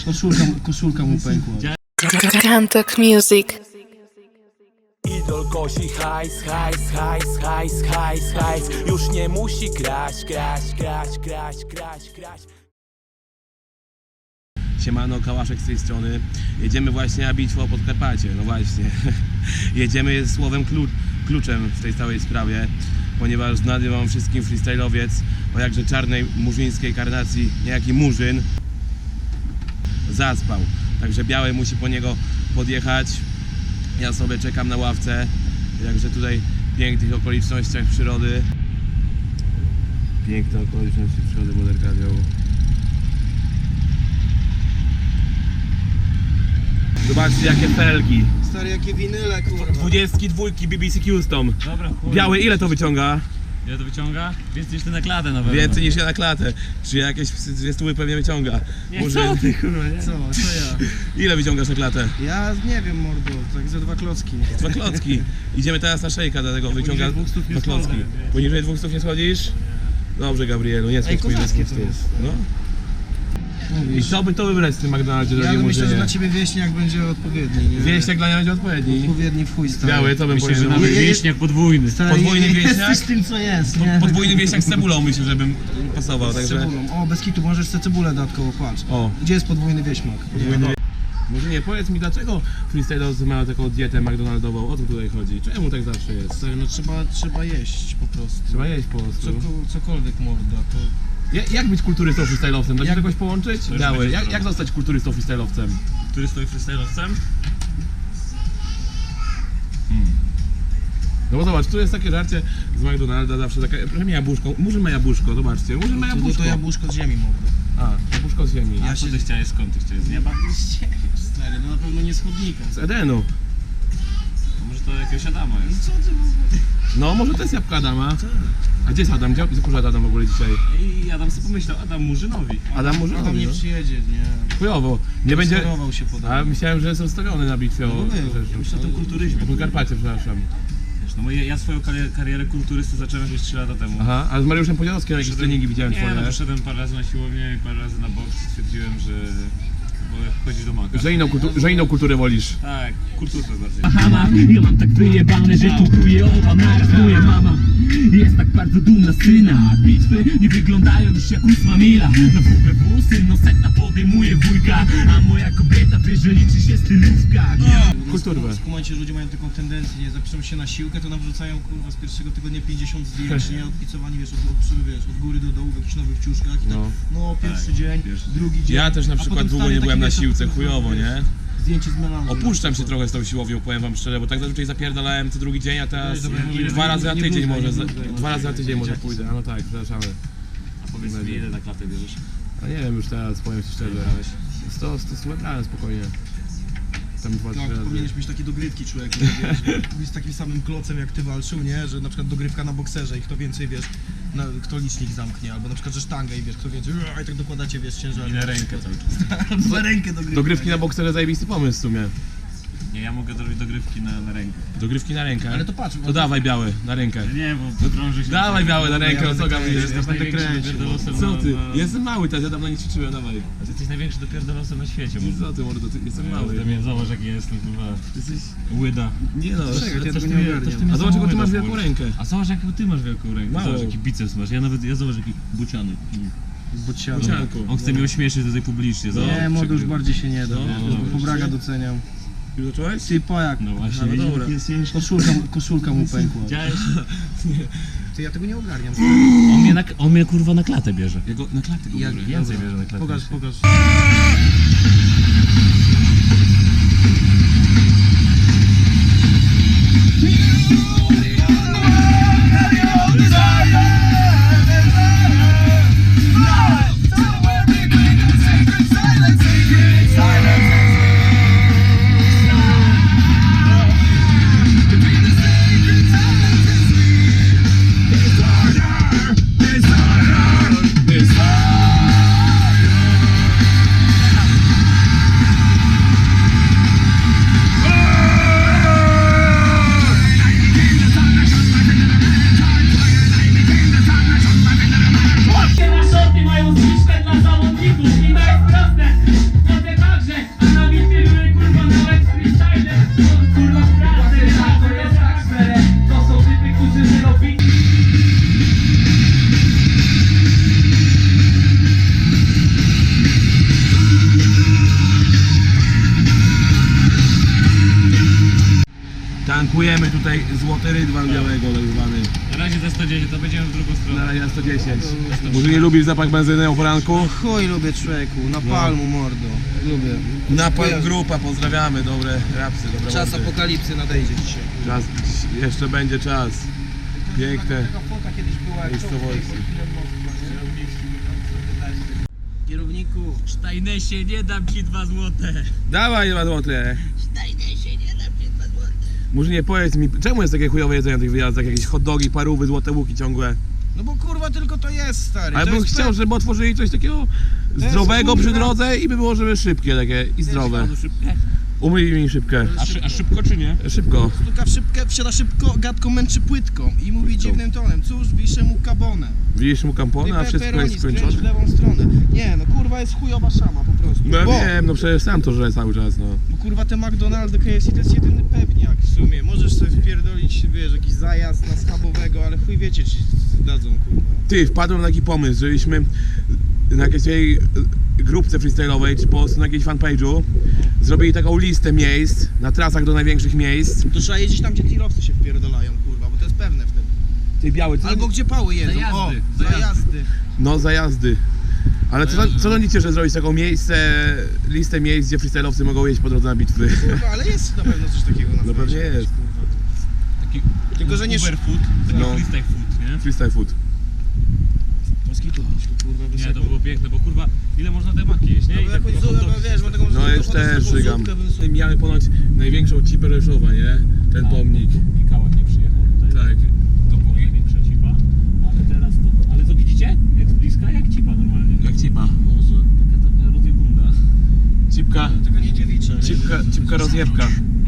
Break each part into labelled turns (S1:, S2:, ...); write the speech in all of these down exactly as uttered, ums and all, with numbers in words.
S1: Koszulka, koszulka mu pękła.
S2: Kantok Music.
S3: Idol kosi hajs, hajs, hajs, hajs, hajs, hajs. Już nie musi kraść, kraść, kraść, kraść, kraść, kraść.
S4: Siemano, Kałaszek z tej strony. Jedziemy właśnie na bitwę o Podkarpacie. No właśnie. Jedziemy słowem klu kluczem w tej całej sprawie, ponieważ znany wam wszystkim freestyle'owiec o jakże czarnej murzyńskiej karnacji, niejaki Murzyn, zaspał. Także Biały musi po niego podjechać. Ja sobie czekam na ławce. Jakże tutaj w pięknych okolicznościach przyrody. Piękne okoliczności przyrody Moderkadio. Zobaczcie jakie felgi.
S1: Stary, jakie winyle, kurwa.
S4: Dwudziestki dwójki B B C Custom.
S5: Dobra, chuj.
S4: Biały, ile to wyciąga?
S5: Ile to wyciąga? Więcej niż ty na klatę na pewno.
S4: Więcej niż ja na klatę. Czy jakieś dwie stówy pewnie wyciąga?
S5: Nie,
S4: Murzyn.
S5: co ty, kurwa, nie?
S1: Co, co ja?
S4: Ile wyciągasz na klatę?
S1: Ja nie wiem, mordo, tak ze dwa klocki.
S4: Dwa klocki. Idziemy teraz na szejka, dlatego wyciąga
S5: dwóch stów nie
S4: dwa klocki.
S5: schodzę, wiesz.
S4: Poniżej dwóch stów nie schodzisz? Dobrze, Gabrielu, nie schodź poniżej
S1: kozackie
S4: dwóch
S1: to
S4: stów.
S1: jest.
S4: No. I
S1: Mówisz.
S4: co by to wybrać w tym McDonaldzie,
S1: Ja
S4: drogi
S1: myślę, że
S4: Murzynie?
S1: dla ciebie wieśniak będzie odpowiedni, nie?
S4: Wieśniak dla mnie będzie odpowiedni.
S1: Odpowiedni w chuj, stary.
S4: Biały, co bym
S5: Myślę, że
S4: powiedział?
S5: nawet
S1: Je- je-
S5: wieśniak podwójny.
S1: Stary,
S4: Podwójny
S1: je-
S4: wieśniak?
S1: Jesteś tym, co jest, nie?
S4: Podwójny wieśniak z cebulą myślę, żebym pasował,
S1: Z
S4: także...
S1: cebulą. O, bez kitu, możesz sobie cebulę dodatkowo, patrz.
S4: O.
S1: Gdzie jest podwójny wieśmak?
S4: Podwójny wie... Murzynie, powiedz mi, dlaczego freestyle'owcy mają taką dietę McDonaldową? O co tutaj chodzi? Czemu tak zawsze jest?
S1: Stary, no trzeba, trzeba jeść po prostu.
S4: Trzeba jeść po prostu.
S1: Co, cokolwiek, morda, to...
S4: Ja, jak być kulturystą freestyle'owcem? Da się
S1: Jak-
S4: jakoś połączyć?
S5: już
S4: Biały,
S5: będzie
S4: jak,
S5: problem.
S4: jak zostać kulturystą freestyle'owcem?
S5: Który stoi freestyle'owcem?
S4: No bo zobacz, tu jest takie żarcie z McDonalda zawsze takie, proszę mi jabłuszko, Murzyn ma jabłuszko, zobaczcie, Murzyn ma
S1: To,
S4: jabłuszko.
S1: to jabłuszko z ziemi, morda.
S4: A, jabłuszko z ziemi.
S5: A co ty chciałeś, skąd ty chciałeś? Z nieba?
S1: Stary, no na pewno nie z chodnika.
S4: Z Edenu.
S5: To może to jakiegoś Adama jest.
S1: Co ty w ogóle?
S4: No, może to jest jabłka Adama. A gdzie jest Adam? Gdzie gdzie poszedł Adam w ogóle dzisiaj?
S5: I Adam sobie pomyślał, Adam Murzynowi.
S4: Adam
S1: Adam
S4: Murzynowi,
S1: nie
S4: no.
S1: przyjedzie, nie?
S4: Chujowo. Nie będzie...
S1: Schorował się podobno.
S4: A myślałem, że jest ustawiony na bitwie o...
S1: No był.
S4: rzeczy.
S5: Myślę o tym kulturyzmie.
S4: O Podkarpacie, przepraszam.
S5: Wiesz, no bo ja, ja swoją karier karierę kulturysty zacząłem jakieś trzy lata temu.
S4: Aha, a z Mariuszem Podzianowskim jakieś
S5: Poszedłem-
S4: treningi widziałem
S5: Nie,
S4: twoje.
S5: no poszedłem parę razy na siłownię i parę razy na boks i stwierdziłem, że wolę chodzić do maka.
S4: Że inną, kultu... że inną kulturę wolisz.
S5: Tak, kulturę bardziej.
S6: Mama, ja mam tak wyjebane, że kupuję oba naraz. Moja mama jest tak bardzo dumna z syna. Bitwy nie wyglądają już jak ósma mila. Na W B W syn no setna podejmuje wujka, a moja kobieta wie, że liczy się stylówka.
S4: Kulturę.
S1: W momencie, że ludzie mają taką tendencję, nie zapiszą się na siłkę, to nam wrzucają kurwa z pierwszego tygodnia pięćdziesiąt zdjęć, nie? Odpicowani, wiesz, od, od, wiesz, od góry do dołu w jakichś nowych ciuszkach i tak,
S4: No.
S1: no, pierwszy
S5: Tak,
S1: dzień,
S5: pierwszy
S1: drugi dzień.
S4: Ja też na
S1: a
S4: przykład
S1: potem
S4: długo
S1: stary
S4: nie
S1: taki,
S4: byłem na
S1: wiesz,
S4: siłce,
S1: kurwa,
S4: chujowo,
S1: wiesz,
S4: nie?
S1: Zdjęcie z melanżu.
S4: Opuszczam się trochę z tą siłownią, powiem wam szczerze, bo tak zazwyczaj zapierdalałem co drugi dzień, a teraz
S1: Dobra, może
S4: dwa
S1: nie-
S4: razy na
S1: nie
S4: tydzień
S1: bluzgaj,
S4: może,
S1: nie
S4: za-
S1: bluzgaj,
S4: dwa razy na tydzień może
S1: Dzieciaki
S4: pójdę, a no tak, przepraszamy.
S5: A powiedz mi, ile na klatę bierzesz?
S4: A nie wiem już teraz, powiem ci szczerze, sto, sto, sto brałem spokojnie. Tam dwa, trzy
S1: Tak,
S4: razy.
S1: powinieneś mieć takie dogrywki, człowieku, wiesz, być z takim samym klocem jak ty walczył, nie? Że na przykład dogrywka na bokserze i kto więcej, wiesz, na, kto licznik zamknie, albo na przykład, że sztangę i wiesz, kto więcej, i tak dokładacie, wiesz, ciężar.
S5: I na rękę cały czas.
S1: Albo na rękę dogrywki.
S4: Dogrywki na bokserze zajebisty pomysł w sumie.
S5: Nie, ja mogę zrobić dogrywki na, na rękę.
S4: Dogrywki na rękę.
S1: Ale to patrz,
S4: To dawaj Biały, na rękę.
S5: Nie, bo drąży się...
S4: Dawaj Biały na rękę,
S1: ja
S4: o co
S1: będę
S4: gapisz?
S1: kręcił,
S4: Ja będę
S5: największym
S4: kręcił.
S5: pierdolosem
S4: Co ty?
S5: na- na-
S4: Jestem mały teraz, ja dawno nie ćwiczyłem, dawaj.
S5: A ty jesteś największy dopierdolosem na świecie, może.
S4: Co ty mordo, ty jestem
S5: Mały.
S4: mały.
S5: Ty mnie zobacz jaki jestem, kurwa.
S4: Ty jesteś...
S5: Łyda.
S4: Nie no,
S1: Czekaj, ja
S5: Coś
S1: tego
S5: ty
S1: nie
S5: mnie-
S1: ogarniam.
S5: coś ty mnie
S4: a zobacz jaką ty masz
S5: samołyda
S4: wielką
S5: wkurza.
S4: rękę.
S5: A zobacz jaką ty masz wielką rękę.
S4: Mało.
S5: Zobacz jaki biceps masz. Ja nawet, ja zobacz jaki buciany.
S1: Bocianu.
S4: Bocianku.
S5: On chce mnie ośmieszyć tutaj publicznie. Zobacz,
S1: Nie, młody już
S5: przegrywa.
S1: bardziej się nie da,
S4: No,
S1: wiesz,
S4: no,
S1: bo
S4: no,
S1: pobraga
S4: się-
S1: doceniam.
S4: Już zacząłeś?
S1: Ty pojak,
S5: No właśnie,
S4: no
S5: widzisz,
S4: dobra.
S5: jaki jest ciężki.
S1: koszulka, koszulka mu pękła.
S5: Widziałeś?
S1: Ty, ja tego nie ogarniam.
S5: On mnie, na, on mnie kurwa na klatę bierze.
S4: Ja go na klatę go
S1: Jak
S4: biorę.
S5: Więcej bierze na klatę.
S1: Pokaż, pokaż.
S4: tutaj złoty rydwan białego tak zwany.
S5: Na razie za sto dziesięć, to będziemy w drugą
S4: Na
S5: stronę.
S4: razie sto dziesięć. Może nie lubisz zapach benzyny o poranku?
S1: Chuj lubię człowieku, na palmu mordo. Lubię.
S4: Napal grupa, pozdrawiamy, dobre rapsy, dobre
S1: Czas
S4: mordy.
S1: apokalipsy nadejdzie dzisiaj.
S4: Czas, jeszcze będzie czas. Piękne
S1: Taka fota kiedyś była, jak
S4: miejscowości.
S1: Kierowniku,
S5: Sztajnesie, nie dam ci dwa złote.
S4: Dawaj dwa złote. Może nie powiedz mi, czemu jest takie chujowe jedzenie na tych wyjazdach? Jakieś hot dogi, parówy, złote łuki ciągłe.
S1: no bo kurwa tylko to jest stary.
S4: Ale
S1: to
S4: bym
S1: jest
S4: chciał,
S1: pe-
S4: żeby otworzyli coś takiego
S1: jest,
S4: zdrowego przy
S1: kurwa-
S4: drodze i by było, żeby szybkie takie i zdrowe. Umyj mi szybkę.
S5: A, szy, a szybko czy nie?
S4: Szybko.
S1: Stuka w szybkę, wsiada szybko, gadką męczy płytką i mówi dziwnym tonem, cóż, wiszę mu kabonę.
S4: Widzisz mu kampona, a wszystko jest
S1: skręć w
S4: skończone?
S1: lewą stronę. Nie no kurwa jest chujowa szama po prostu.
S4: No ja
S1: bo,
S4: wiem, no przecież sam to żre cały czas, no.
S1: bo kurwa te McDonald's, K F C to jest jedyny pewniak w sumie. Możesz sobie wpierdolić, wiesz, jakiś zajazd na schabowego, ale chuj wiecie ci dadzą kurwa.
S4: Ty, wpadłem na taki pomysł, żebyśmy na jakiejś tej grupce freestyle'owej, czy po prostu na jakiejś fanpage'u zrobili taką listę miejsc, na trasach do największych miejsc.
S1: To trzeba jeździć tam, gdzie tirowcy się wpierdolają kurwa, bo to jest pewne wtedy.
S4: Ty biały, co?
S1: Albo gdzie pały jedzą.
S5: Zajazdy,
S1: O,
S5: zajazdy.
S1: zajazdy.
S4: No zajazdy. Ale co, co sądzicie, że zrobić taką miejsce, listę miejsc, gdzie freestyle'owcy mogą jeść po drodze na bitwy?
S1: Kurwa, ale jest na pewno coś takiego na
S4: No pewnie
S1: fejsie,
S4: jest.
S1: kurwa.
S5: Taki
S1: Tylko, że nie...
S5: Uber food, taki
S4: No.
S5: freestyle food, nie?
S4: Freestyle food.
S1: Moskito, kurwa,
S5: Nie,
S1: wysoko.
S5: to było piękne, bo kurwa, ile można te maki jeść, nie?
S1: No
S5: I
S1: bo
S5: tak
S1: jakąś
S5: kurwa,
S1: zupę,
S5: hot dogi
S1: wiesz, bo taką
S4: No
S1: zupę,
S4: już
S1: potem
S4: też
S1: taką
S4: żygam.
S1: zupkę bym sobie-
S4: Miałem ponoć największą cipę Rzeszowa, nie? Ten pomnik.
S5: Dopóki Kałak nie przyjechał tutaj.
S4: Tak.
S5: Dopóki największa cipa. Ale teraz to... Ale co widzicie? Jest bliska jak cipa normalnie.
S4: Jak cipa.
S5: Może taka, taka rozjebunda.
S4: Cipka,
S1: Tego nie dziewicza, nie?
S4: cipka, cipka rozjebka.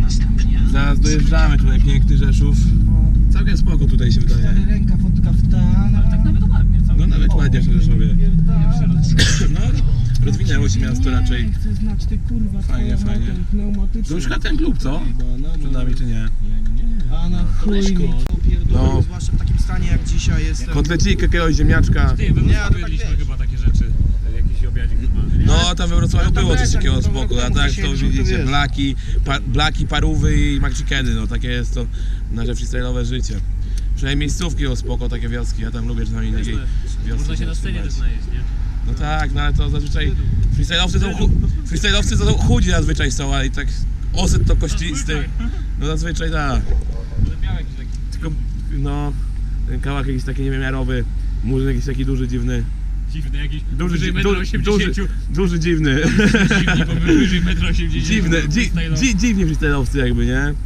S4: Zaraz dojeżdżamy tutaj, piękny Rzeszów. Całkiem spoko tutaj się
S1: Stary
S4: wydaje.
S1: ręka, fotka w tan.
S5: Ale tak nawet ładnie cały.
S4: No nawet ładnie w Rzeszowie.
S1: Pierdolę.
S4: No, rozwinęło się miasto raczej.
S1: Nie, chcę znać ty kurwa
S4: Fajnie,
S1: twoją
S4: fajnie.
S1: motor pneumatyczny.
S4: To już chyba ten klub, co? Przed nami czy nie?
S1: A na chuj mi to pierdolę,
S4: No.
S1: zwłaszcza w takim stanie jak dzisiaj jestem.
S4: Kotlecik, jakiegoś ziemniaczka.
S5: Ty, we
S1: Nie,
S5: Wrocławiu
S1: to tak
S5: jedliśmy
S1: wiesz.
S5: chyba takie rzeczy. Jakiś obiadzik normalny, nie?
S4: No, tam we Wrocławiu
S1: No, tam
S4: było coś
S1: leciak,
S4: takiego
S1: no, to
S4: spoko, a
S1: wiadomo,
S4: tak
S1: że
S4: to
S1: siedzisz, no to
S4: widzicie,
S1: wiesz.
S4: blaki, pa, blaki, parówy i McChickeny, no takie jest to nasze freestyle'owe życie. Przynajmniej miejscówki o spoko, takie wioski, ja tam lubię czasami takiej wioski.
S5: Można się na scenie też najeść, nie?
S4: No tak, no ale to zazwyczaj freestyle'owcy są, chu- freestyle'owcy to są chudzi zazwyczaj są, ale i tak osyp to kościsty. No zazwyczaj tak.
S5: Ale miał jakiś taki...
S4: Tylko no, ten kałak jakiś taki niewymiarowy, murzyn jakiś taki duży, dziwny.
S5: Dziwny, jakiś
S4: Duży,
S5: wyżej
S4: dzi-
S5: metra
S4: duży,
S5: osiemdziesiąt.
S4: duży, duży, dziwny.
S5: Dziwny, bo my wyżej metra osiemdziesiąt.
S4: Dziwne, dzi,
S5: freestyle'owy.
S4: dzi, dziwni freestyle'owcy jakby, nie?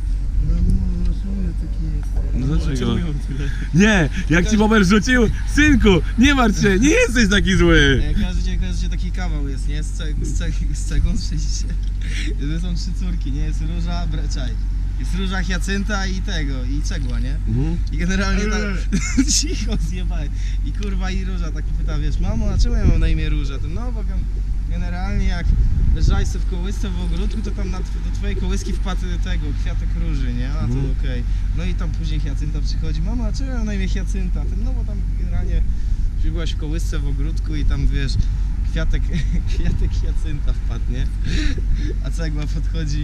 S4: No dlaczego? Nie, jak ci Bober rzucił, synku, nie martw się, nie jesteś taki zły.
S1: Jak każdy, każdy taki kawał jest, nie? Z, ceg, z, ceg, z cegą sześć. To są trzy córki, nie? Jest róża, breczaj. Jest róża, hiacynta i tego, i cegła, nie?
S4: Mhm.
S1: I generalnie tak, cicho zjebaj. I kurwa i róża tak pyta, wiesz, mamo, a czemu ja mam na imię Róża? To no, bo gen- generalnie jak leżałeś sobie w kołysce w ogródku, to tam na, tw- do twojej kołyski wpadł tego, kwiatek róży, nie? A to
S4: Mhm.
S1: okej. No i tam później hiacynta przychodzi, mamo, a czemu ja mam na imię hiacynta? Ten, no bo tam generalnie byłaś w kołysce w ogródku i tam wiesz, kwiatek, kwiatek hiacynta wpadł, nie? A cegła podchodzi,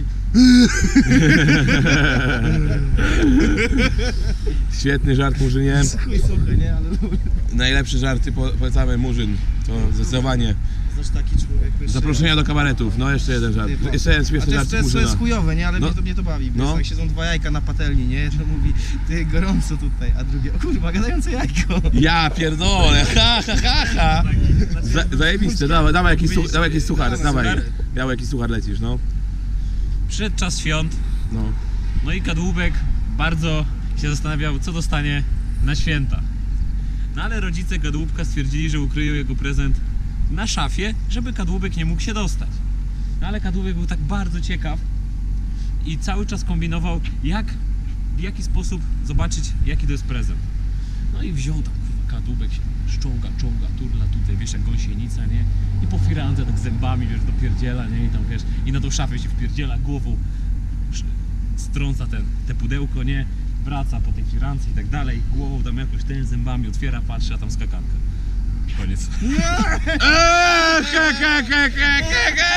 S4: Świetny żart Murzynie.
S1: chuj suchy, nie? Ale
S4: Najlepsze żarty po- polecamy Murzyn. To zdecydowanie.
S1: znasz taki człowiek, wiesz,
S4: Zaproszenia do kabaretów. No jeszcze jeden żart.
S1: Ty,
S4: Jeszcze jeden
S1: A
S4: śmieszny
S1: to jest,
S4: żart
S1: to, jest, to jest
S4: Murzyna.
S1: chujowe, nie? Ale
S4: No.
S1: mnie, to, mnie to bawi.
S4: No.
S1: No. Jak siedzą dwa jajka na patelni, nie? Jedno mówi, ty gorąco tutaj, a drugie, o kurwa, gadające jajko.
S4: Ja pierdolę, ha ha ha ha. Za, zajebiste, dawaj, dawaj jakiś, su, dawaj jakiś suchar,
S1: Dawaj,
S4: dawaj.
S1: suchary.
S4: Biały jakiś suchar lecisz, no.
S5: Przyszedł czas świąt,
S4: No.
S5: no i kadłubek bardzo się zastanawiał, co dostanie na święta. No ale rodzice kadłubka stwierdzili, że ukryją jego prezent na szafie, żeby kadłubek nie mógł się dostać. No ale kadłubek był tak bardzo ciekaw i cały czas kombinował, jak, w jaki sposób zobaczyć, jaki to jest prezent. No i wziął tam, kurwa, kadłubek się szczołga, czołga, turla tutaj, wiesz, jak gąsienica, nie? I po firandze tak zębami, wiesz, dopierdziela, nie? I tam, wiesz, i na tą szafę się wpierdziela głową, sz- strąca ten, te pudełko, nie? Wraca po tej firance i tak dalej, głową tam jakoś ten zębami otwiera, patrzy, a tam skakanka. Koniec.
S4: Eee, ha, ha, ha, ha, ha, ha.